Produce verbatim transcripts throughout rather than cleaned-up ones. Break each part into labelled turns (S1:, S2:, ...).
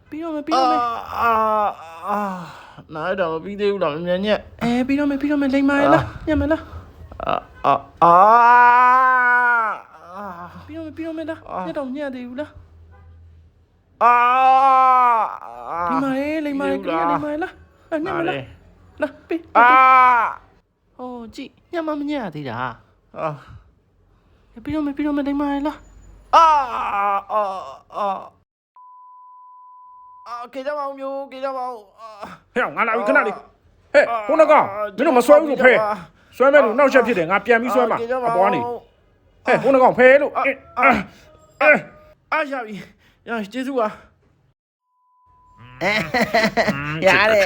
S1: ပြီးတော့မယ်ပြီးတော့မယ်
S2: အာအာနားတော့ပြီးသေးဘူးလားမမြန်ညက်
S1: အဲပြီးတော့မယ်ပြီးတော့မယ်လိမ္မာရလားညံ့မလား
S2: အာအာအာ
S1: ပြီးတော့မယ်ပြီးတော့မယ်လားညက်တော့ညံ့သေးဘူးလား
S2: အာ
S1: လိမ္မာရဲလိမ္မာရဲကလေးလိမ္မာရလားညံ့မလားလားပြီး
S2: အာ
S1: ဟိုကြည့်ညံ့မမညံ့သေးတာ
S2: အာ
S1: ပြီးတော့မယ်ပြီးတော့မယ်လိမ္မာရလား
S2: အာအာအာအာကေကြပါဦးမျိုးကေကြပါဦး
S3: ဟဲ့ငါလာပြီခဏလေးဟဲ့ခုနကမင်းတို့မဆွဲဘူးလို့ဖဲဆွဲမဲ့လို့နောက်ချက်ဖြစ်တယ်ငါပြန်ပြီးဆွဲမှာအပေါ်ကနေဟဲ့ခုနကဖဲလို့အဲအဲ
S2: အာရပြီရကျေးဇူးပါ
S1: ရတယ်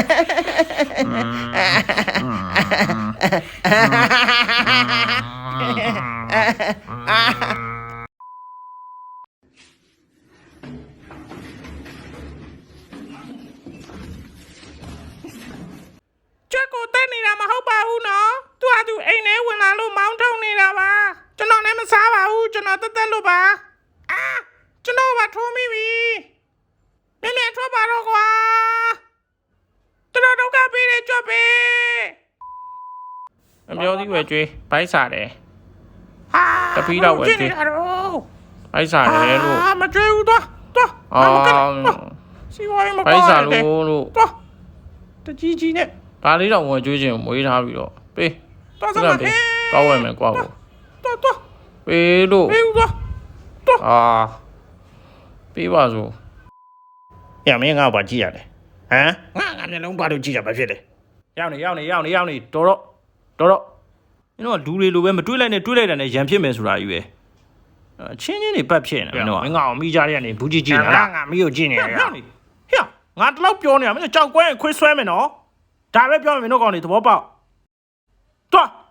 S1: ကျွတ်ကိုတက်နေတာမဟုတ်ပါဘူးနော်သူကသူအိမ်ထဲဝင်လာလို့မောင်းထုတ်နေတာပါကျွန်တော်လည်းမစားပါဘူးကျွန်တော်တက်တက်လို့ပါအာကျွန်တော်ကထိုးမိပြီမြင်မြင်ထွက်ပါတော့ကွာကျွန်တော်ဒုက္ခပေးတယ်ကြွတ်ပေး
S3: အပြောသေးပဲကျွေးဘိုက်စားတယ်
S1: ဟာ
S3: တပီးတော့ပဲကြွေး
S1: ကြည့်နေတာတော့
S3: ဘိုက်စားတယ်လို့
S1: အာမကြွေးဘူးတော့တော့
S3: အော်
S1: စီဝိုင်းမ
S3: ဘို
S1: ကော
S3: က်
S1: င်း
S3: စား
S1: တယ်
S3: လို့လို့
S1: တော့တကြီးကြီးနဲ့
S3: ဒါလေးတော့ဝင်ကျွေးခြင်းမွေးထားပြီးတော့ပေး
S1: တော့
S3: စ
S1: စ
S3: က
S1: မ်း
S3: ပေး
S1: ပေး
S3: ကောက်ဝယ်မယ်ကွာကို
S1: တော့တော့
S3: ပေးလို့
S1: ပေးဦးတော့တော့
S3: အာပေးပါစို့
S2: ရမင်းငါ့ဘာကြည့်ရတယ်ဟမ်
S1: ငါငါမျက်လုံးပါလို့ကြည့်တာပဲဖြစ်တယ်
S3: ရောက်နေရောက်နေရောက်နေရောက်နေတော်တော့တော်တော့မင်းတို့ကလူတွေလိုပဲမတွေးလိုက်နဲ့တွေးလိုက်တာနဲ့ရံဖြစ်မယ်ဆိုတာကြီးပဲအချင်းချင်းတွေပတ်ဖြစ်နေမင်းတို့က
S2: မင်းငါ့ကိုမိကြတဲ့ကနေဘူးကြည့်ကြည့်နေလား
S1: ငါမီးကိုကြည့်နေရ
S3: ဟဲ့ဟဲ့ငါတလောက်ပြောနေတာမင်းကြောက်ကွဲခွေးဆွဲမယ်နော်ဒါပဲပြောမယ်မင်းတို့ကောင်တွေသဘောပေါက်တွား